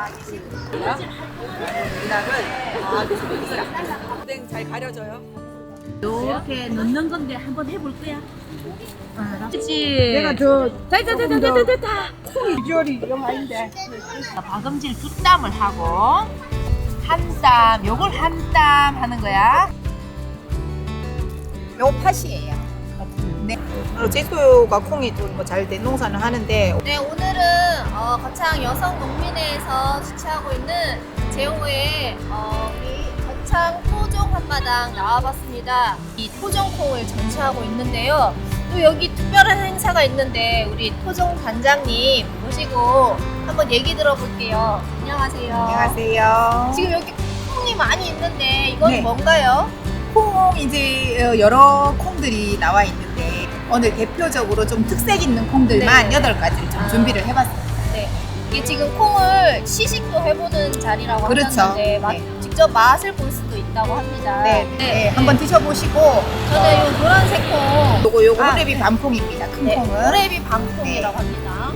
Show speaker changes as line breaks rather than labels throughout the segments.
오뎅 잘 가려져요.
이렇게 넣는 건데 한번 해볼 거야. 그렇지.
내가 더
됐다.
비주얼이 영 아닌데.
박음질 두 땀을 하고 한 땀, 요걸 한 땀 하는 거야.
요 팥이에요. 네. 제소가 콩이 좀 뭐 잘 된 농사는 하는데
네, 오늘은 거창 여성 농민회에서 주최하고 있는 제5회 우리 거창 토종 한마당 나와봤습니다. 이 토종콩을 전시하고 있는데요. 또 여기 특별한 행사가 있는데 우리 토종 단장님 모시고 한번 얘기 들어볼게요. 안녕하세요.
안녕하세요.
지금 여기 콩이 많이 있는데 이건
네.
뭔가요?
콩 이제 여러 콩들이 나와 있는데 오늘 대표적으로 좀 특색 있는 콩들만
네.
8가지를 좀 준비를 해봤습니다.
네. 이게 지금 콩을 시식도 해보는 자리라고
그렇죠.
하셨는데
네.
직접 맛을 볼 수도 있다고 합니다.
네. 한번 드셔보시고
저는 이 노란색 콩,
요거
아,
호레비 반콩입니다. 큰
네,
콩은.
호레비 방콩이라고 합니다.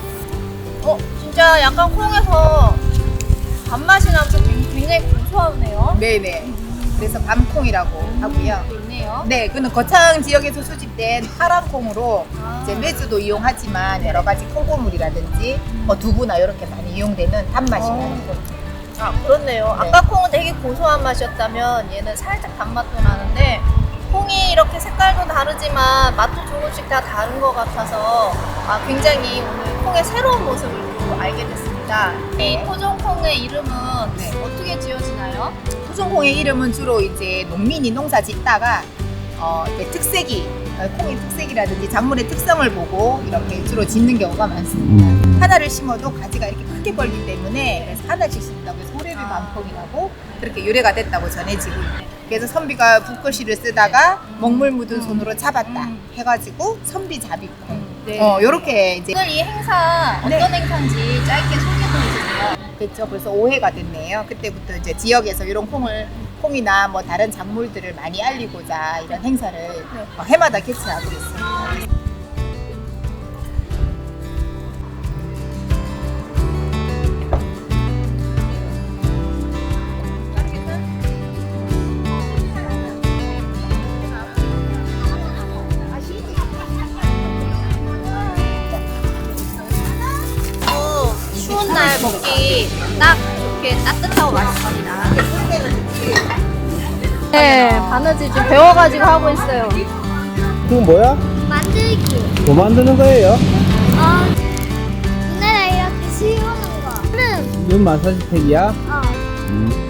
진짜 약간 콩에서 단맛이 나면서 굉장히 고소하네요.
네네. 그래서 밤콩이라고 하고요.
또 있네요.
네, 그는 거창 지역에서 수집된 파란 콩으로 이제 메주도 이용하지만 여러 가지 콩고물이라든지 뭐 두부나 이렇게 많이 이용되는 단맛이 나는 콩.
아, 그렇네요.
네.
아까 콩은 되게 고소한 맛이었다면 얘는 살짝 단맛도 나는데 콩이 이렇게 색깔도 다르지만 맛도 조금씩 다 다른 것 같아서 굉장히 오늘 콩의 새로운 모습을 또 알게 됐습니다. 이 토종콩의 이름은
네.
어떻게 지어지나요?
토종콩의 이름은 주로 이제 농민이 농사 짓다가 이렇게 특색이 콩의 특색이라든지 작물의 특성을 보고 이렇게 주로 짓는 경우가 많습니다. 하나를 심어도 가지가 이렇게 크게 벌기 때문에 그래서 하나씩 심다고 해서 호레비 반콩이라고 그렇게 유래가 됐다고 전해지고 있네요. 그래서 선비가 붓글씨를 쓰다가 먹물 묻은 손으로 잡았다 해가지고 선비잡이콩.
네.
요렇게 이제
오늘 이 행사 어떤
네.
행사인지 짧게 소개해 주세요.
됐죠. 벌써 5회가 됐네요. 그때부터 이제 지역에서 이런 콩이나 뭐 다른 작물들을 많이 알리고자 이런 행사를 해마다 개최하고 있습니다.
추운 날 먹기 딱 좋게 따뜻하고 맛있습니다. 네, 바느질 좀 배워가지고 하고 있어요.
그건 뭐야?
만들기.
뭐 만드는 거예요?
눈에 이렇게 씌우는 거. 는
눈 마사지 팩이야?
어.